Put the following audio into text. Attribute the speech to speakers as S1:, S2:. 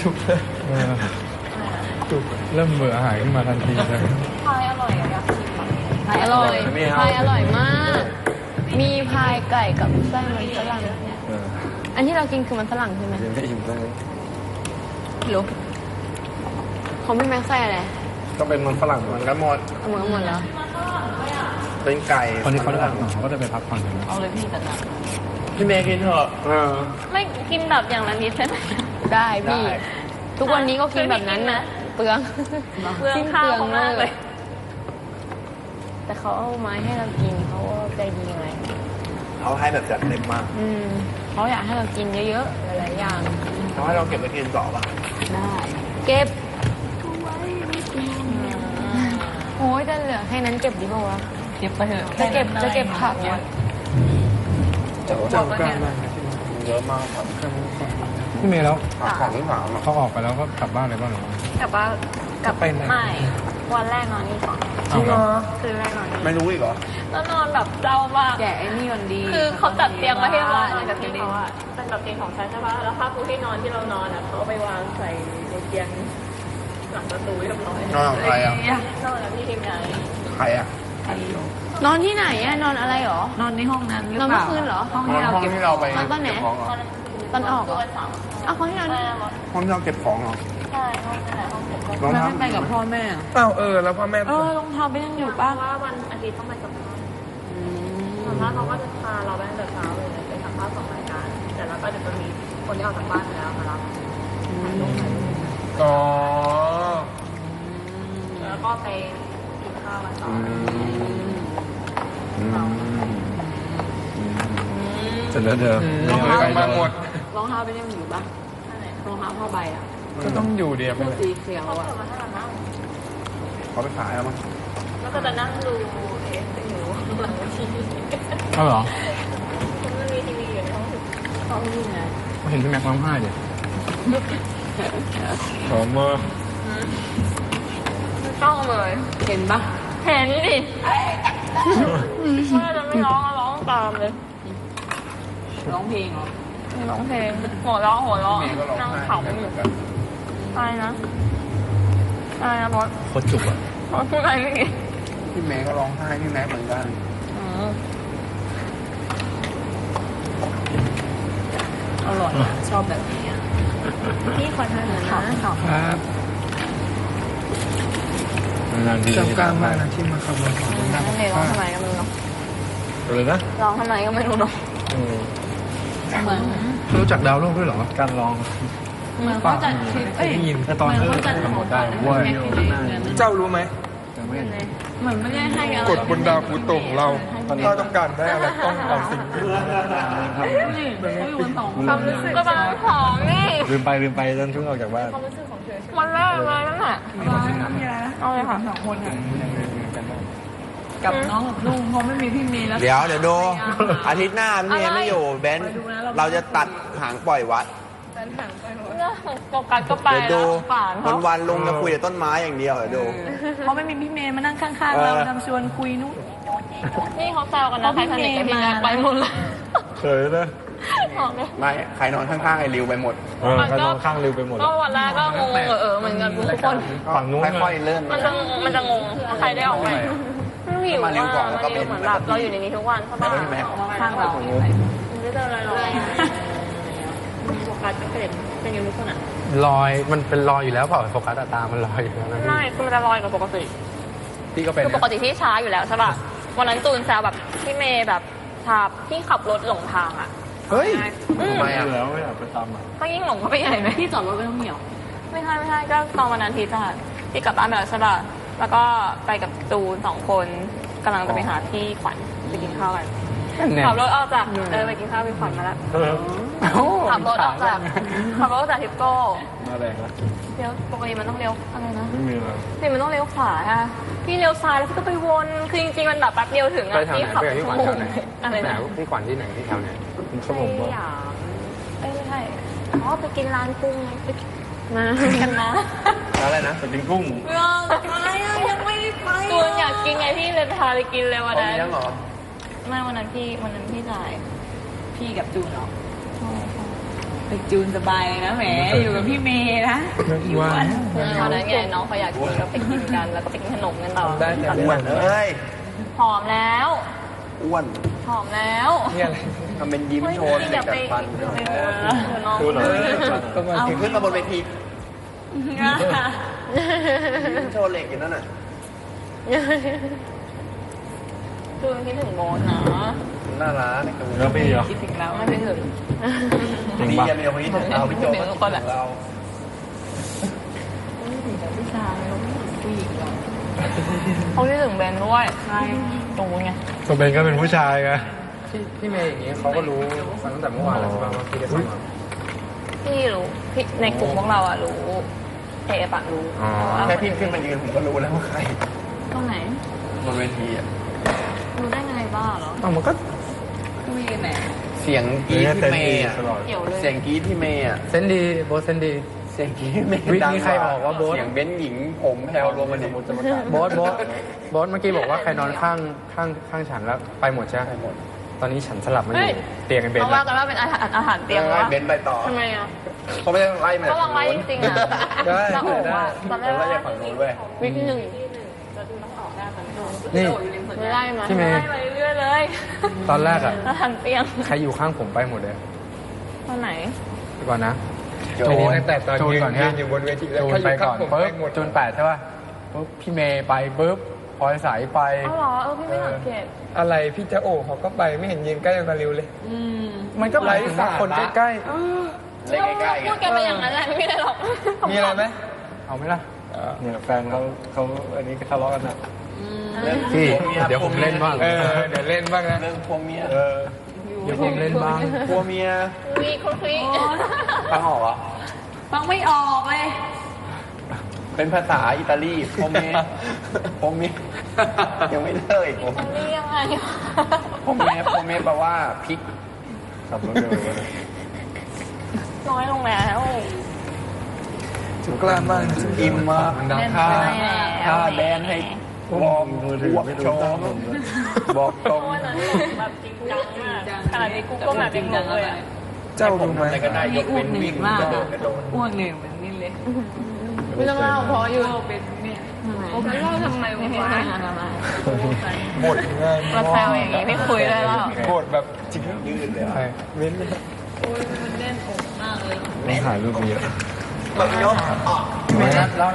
S1: จุกเลยจุกเริ่มเบื่ออาหารขึ้นมาทันทีเลย
S2: พายอร่อยอะอยากชิมพายอร่อยพายอร่อยมาก มีพายไก่กับไส้มันฝรั่งอันที่เรากินคือมันฝรั่งใช่ไหม
S3: ไม่อิ่มเลย
S2: หรือเขาไม่แม็กไส้อะไร
S3: ก็เป็นมันฝรั่งเหมือนกันหมด
S2: เหมือนกันหมดแล้ว
S3: เป็นไก่
S1: คนที่เขาได้เขาก็จะไปพักผ่อนกัน
S2: เอาเลยพี่แต่ละ
S3: พี่เมย์กินเถอะ
S2: ไม่กินแบบอย่างละนิดใช่ไหมได้พี่ทุกวันนี้ก็กินแบบนั้นนะเปลืองข้าวมากเลยแต่เขาเอาไม้ให้เรากินเขาใจดีไง
S3: เขาให้แบบจัดเต็มมาก
S2: เขาอยากให้เรากินเยอะๆหลายๆอย่าง
S3: เขาให้เราเก็บไปกินต่อป่ะ
S2: ได้เก็บโอ้ยจะเหลือแค่นั้นเก็บดีป่าวะเก็บไปเถอะจะเก็บผักเนี่ย
S3: เจ้ากล้ามากเยอะมากครับ
S1: พี่เมย์แล้ว
S3: ของที่ถาม
S1: เขาออกไปแล้วก็กลับบ้านเลยป่ะหรือว่
S2: ากลับบ้านกลับไปไม่วันแรกนอนนี่ก่อน
S1: จริงเหรอ
S2: คืนแรกนอนนี่
S3: ไม่รู้อีกเหรอ
S2: แล้วนอนแบบเศร้ามากแกไอ้นี่มันดีคือเขาจัดเตียงมาให้เราในกับเตียงเขาอะเป็นแบบเตียงของฉันใช่ปะแล้วผ้าปูที่นอนที่เรานอนอะเขาไปวางใส่ในเตียงหลังประตูเรียบร้อย
S3: นอนกับใครอ่ะ
S2: นอนกับพี่ทีมงาน
S3: ใครอ่ะ
S2: นอนที่ไหนอะนอนอะไรหรอนอนในห้องนั้นหรือเปล่านอนเมื่อคืนเหรอ
S3: ห้องที่เราไป
S2: ตอนไหนตอนออกเอาของที่เรา
S3: ห้องที่เราเก็บของเหรอ
S2: ใช่ห้องไหนห้องเก็บของไม่ไปกับพ่อแม่
S3: อ้าวแล้วพ่อแม่
S2: รองเท้าไปยังอยู่ป่ะว่าวันอาทิตย์ต้องไปสัมภาษณ์สัมภาษณ์เขาก็จะพาเราไปตั้งแต่เช้าเลยไปสัมภาษณ์2 รายการแต่แล้วก็จะมีคนที่ออกจากบ้านไปแล้วมารับ
S3: อ๋อ
S2: แล้วก็ไปกินข้าวกันต่อ
S1: เสร็จแล้วเดิม
S3: รองเท้ามาหมด
S2: รองเท้าไปยังอยู่ป่ะรองเท้าผ้าใบอ่ะ
S1: ก็ต้องอยู่เดียวไป
S2: สีเขียวอ่ะ
S3: เขาไปขายแล้วมั้ง
S2: แล้วก็จะนั่งดูอยู่หลังทีวี
S1: เอาเหรอ
S2: มันมีทีวีอยู่ในห้องนี่ไง
S1: เห็นพี่แม็กซ์ร้องไห้ดิขอมา
S2: ต้องเลยเห็นปะเห็นดิถ้าจะไม่ร้องก็ร้องตามเลยร้องเพลงเหรอร้องเพลงหัวเราะนั่งขำอยู่อะไรนะบอส
S1: โคตรจุกอ่ะ
S2: พูดอะไรไม่กี่
S3: พี่แม่ก็ร้องไห้พี่แม่เหมือนกัน
S2: อร่อยชอบแบบนี้พี่ขอทานหน่อยนะครับ
S1: จำกล้ามากนะที่มาขับรถของ
S2: นั่งร้องทำไมก็ไม่รู้เนาะ
S1: เลยนะ
S2: ร้องทำไมก็ไม่รู้เนาะเหมือน
S1: รู้จักดาวโลกด้วยเหรอการร้อง
S2: เหมือนเขาจัดคลิป
S1: ได้ยินแต่ตอน
S2: เขาจัด
S1: หมดได้ว่า
S3: เจ้ารู้ไหม
S2: เหมือนไม่ได้ให้
S3: กฎบนดาวพุธของเราถ้าต้องการได้อะไรต้องเอาสิ่งนี้
S2: นี่เขาอยู่กัน2 ความรู้สึกก็บางของนี่
S1: ลืมไปจนช่วงออกจากบ้าน
S2: ความรู้สึกของเธอวันแรกเลยนั่นแหละเอาเลยค่ะ2 คนกับน้องกับลุงเพราะไม่มีพี่เมย์แล้ว
S3: เดี๋ยวดูอาทิตย์หน้าพี่เมย์ไม่อยู่เบนเราจะตัดหางปล่อยวัด
S2: โฟกัสก็ไป
S3: ดูวันลุงจะคุยแต่ต้นไม้อย่างเดียวเดี๋ยวดู
S2: เพราะไม่มีพี่เมย์มานั่งข้างๆเราทำชวนคุยนู้นนี่เขาแซวกันนะใครสนิทกับพี่เมย์ไปหมดเลย
S1: เคยนะ
S3: ไม่ใครนอนข้างๆไอ้ริวไปหมด
S1: ใครนอนข้างริวไปหมด
S2: ก็วันแรกก็งงเหมือนกันทุกคน
S1: ฝั่งนู้น
S3: ค่อยๆเริ่ม
S2: มันจะงงใครได้ออกไปไม่หิวก่อนแล้วก็เป็นเหมือนแบบเราอยู่ในนี้ทุกวันใช่ป่ะข้างเราไม่เจออะไรหรอกโฟกัสก็เป็นยังไงทุกคนอ่ะ
S1: ลอยมันเป็นลอยอยู่แล้วเปล่าโฟกัสตามันลอยอยู่แล้ว
S2: ไม่คือมันจะลอยกับปกติ
S1: พี่ก็เป็น
S2: คือปกติที่ช้าอยู่แล้วใช่ป่ะวันนั้นตูนแซวแบบพี่เมย์แบบชาพี่ขับรถหลงทางอ่ะ
S1: เฮ้ยทำไมอ่ะแล้วไม่อยากไปตามอ่ะ
S2: ก็ยิ่งหลงเข้าไปใหญ่ไหมพี่จอดรถไม่ต้องเหนียวไม่ใช่ก็ตอนวันนั้นที่กลับบ้านไปแล้วใช่ป่ะแล้วก็ไปกับตูน2 คนกำลังจะไปหาที่ขวัญไปกินข้าวกันขับรถออกจากไปกินข้าวไปขวัญมาแล้วขับรถออกจากทิปโก้
S1: มาแรงนะ
S2: เลี้ยวปกติมันต้องเลี้ยวอะไรนะ
S1: ไม่มีอะไร
S2: นี่มันต้องเลี้ยวขวาค่ะพี่เลี้ยวซ้ายแล้วพี่ก็ไปวนคือจริงๆมันแบบแป๊บเดียวถึงอ่ะพี่ขับชั่วโมงอะไรนะ
S1: ที่ขวัญที่ไหนที่แถวไหนชั่วโมง
S2: ไม่ใช่ไปกินร้านกุ้งไปมากันนะ
S1: อะไรนะไปกินกุ้ง
S2: อะไรยังไม่ได้ไปตูนอยากกินไงพี่เลยพาไปกินเลยวันนั้น
S3: ยังเหรอ
S2: ไม่วันนั้นพี่จ่ายพี่กับจูนเหรอ
S4: ไปจูนสบายเลยนะแหมอยู่กับพี่เมย์นะ
S1: ว่า
S2: ตอนนั้นไงน้องเขาอยากกินก็ไปกินกันแล้วก็ไปกินขนมกันต่อ
S1: ได้แต่
S3: อ้วนเอ้ย
S2: หอมแล้ว
S3: อ้วน
S2: หอมแล้ว
S1: นี่อะไร
S3: ทำเป็นยิ้มโชว์
S2: พี่
S3: เด็
S2: อก ย่า
S3: ดั
S2: ไป
S3: ดฟัน
S2: น้อง
S1: พูดเหรอก็มาถึง
S3: ขึ้นมาบนเวทียิ้มโชว์เหล็กอยู่นั่นน่ะ
S2: จูนคิดถึงโบนนะ
S3: น่ารัก
S1: แล้วพี่เหรอ
S4: คิดถึงเรา
S2: ไม่คิดถึง
S1: จริง
S3: ดี
S1: ปะ
S3: กันเดียวคนนี้ถึงเราพี่โจก็ถึงเรา
S4: ผู้ชายผู้หญิงหรอ
S2: เขาคิดถึงเบนด้วยใช่จูนไง
S1: ก็เป็นก็เป็นผู้ชายไง
S5: พี่เมย์อย่างนี้เขาก็รู้มาตั้งแต่เมื่อวานแล้วใช่ไหมว่าพี่ได้ฟังมา
S2: พี่รู้พี่ในกลุ่มพวกเราอะรู้เอปะรู้
S3: แค่พี่ขึ้นมายืนผมก็รู้แล้วว่าใคร
S2: ตรงไหน
S3: บนเวทีอ่ะ
S2: รู้ได้ไงบ้าเหรอ
S1: มันก็
S4: คุยกันไหน
S3: เสียงกรี๊ดพี่เมย์อ่ะ
S1: ตลอด
S2: เกี่ยวเลย
S3: เสียงกรี๊ดพี่เมย์อ่ะ
S5: เซนดีโบสเซนดี
S3: เสียงกรี๊ดพี่เมย์
S5: วิ
S3: ดัง
S5: มีใครบอกว่าโบ๊ท
S3: เสียงเบ้นหญิงผมแพลวรวมกันดิ
S5: โบสเมื่อกี้บอกว่าใครนอนข้างฉันแล้วไปหมดใช่ไหมหมดตอนนี้ฉันสลับมาอยู่เตียงกันเบน
S2: เขา
S5: แล้
S2: ว่าว กันว่าเป็นอาหารเตรียม
S3: ไล่
S2: ว่า
S3: เบ้นไปต่อ
S2: ทำไมอะ
S3: เขาไม่ได้ไล่มา
S2: ก็ลองไล่จริงๆอะ
S5: ได้
S2: แล้วโอ้ว่าตอนแร
S3: เรา
S2: ก
S3: ไล่
S2: ว่า
S3: จากฝั่งนู้นเว้ย
S2: วิกหนึ่ง
S5: นี่
S2: ไม่ไล่มา
S5: พี่เมย์
S2: ไล่ไปเรื่อยๆเลย
S5: ตอนแรกอะ
S2: อาหารเตรียม
S5: ใครอยู่ข้างผมไปหมดเลย
S2: ตอนไหน
S5: เดี๋ยวก่อนนะ
S3: โจ
S5: จูน
S1: ตั้งแต่ตอน
S5: จูน
S1: ยืน
S5: ก่อน
S1: ยื
S5: ฮะ
S1: นอยู่บนเวทีแล้ว
S5: จูน
S1: ใครอ
S5: ไป
S1: ยู่ข้า
S5: ก่
S1: ง
S5: อน
S1: ผม
S5: ปุ๊
S1: ไป
S5: บ
S1: หมด
S5: จูน8ใช่ป่ะปุ๊บพี่เมย์ไปปุ๊บพลอยสายไป
S2: อ้าวเหรอพี่ไม่สังเกต
S1: อะไรพี่จะโอ้เขาก็ไปไม่เห็นยืนใกล้กับริวเลย
S5: มันก็หมายถึงว่าคนใกล้
S3: เล่นใกล้ๆ
S2: พู
S3: กั
S2: ดกันไปอย่างนั้นแหละไม่มีอะไรหรอก
S1: มีอะไรไหม
S5: ๆเอาไหมล่ะ
S1: เนี่ยแฟนเขาอันนี้ทะเลาะกันนะ
S5: พี่เดี๋ยวผมเล่นบ้าง
S1: เดี๋ยวเล่นบ้างนะ
S3: เรื่องพวกเมีย
S5: เดี๋ยวผมเล่นบ้าง
S3: พวกเมีย
S2: วีคุกคี
S3: ฟังออกเหรอ
S4: ฟังไม่ออกเลย
S3: เป็นภาษาอิตาลีพวกเมียพวกเมียยังไม่เลิกอีก
S2: มันนี่ยังไงวะ
S3: พวกเมียแปลว่าพริก
S1: ขับรถเร็วเลย
S2: น้อยลงแล้ว
S1: จุกกล้ามบ้าง
S3: อิ่มมาก
S1: มันดัง
S3: ค่า
S2: ไม่แล้ว
S3: ค่าแดนให้วอร์ม
S1: มือถือ
S3: หัว
S1: ไม่
S3: โช
S1: รู้
S3: ว์
S1: ตั้งผม
S3: บอกตรง
S2: วันนั้นแบบจริงจังมากขนาดนี้กูก็แบบจริงจังเลยอะ
S1: เจ้า
S3: ผม
S1: รู้ไหม
S3: ทำอะไรก็ได้ย
S4: นี่
S3: ก
S4: อ้ว
S3: เว้
S4: ก
S3: น
S4: เหนื่
S3: วิ่
S4: อย
S3: ง
S4: มาก
S3: กระโดดกระโดด
S4: อ้วกเหนื่อยเหมือนนี่เลย
S2: ไม่ต้องเล่าเพราะอยู่
S4: เป็นเนี่ย
S2: ไม่เล่าทำไมวะ
S1: หมดง่าย
S2: มาแซวอย่างงี้ไม่คุยได้แล้ว
S1: หมดแบบจริง
S3: ยืดเลย
S1: ใครเว้นเลย
S4: มันเล่นอกมากเลย
S1: ต้องถ่ายรูปเยอะ
S3: แบบยกออก
S5: ไม่นัดแล้ว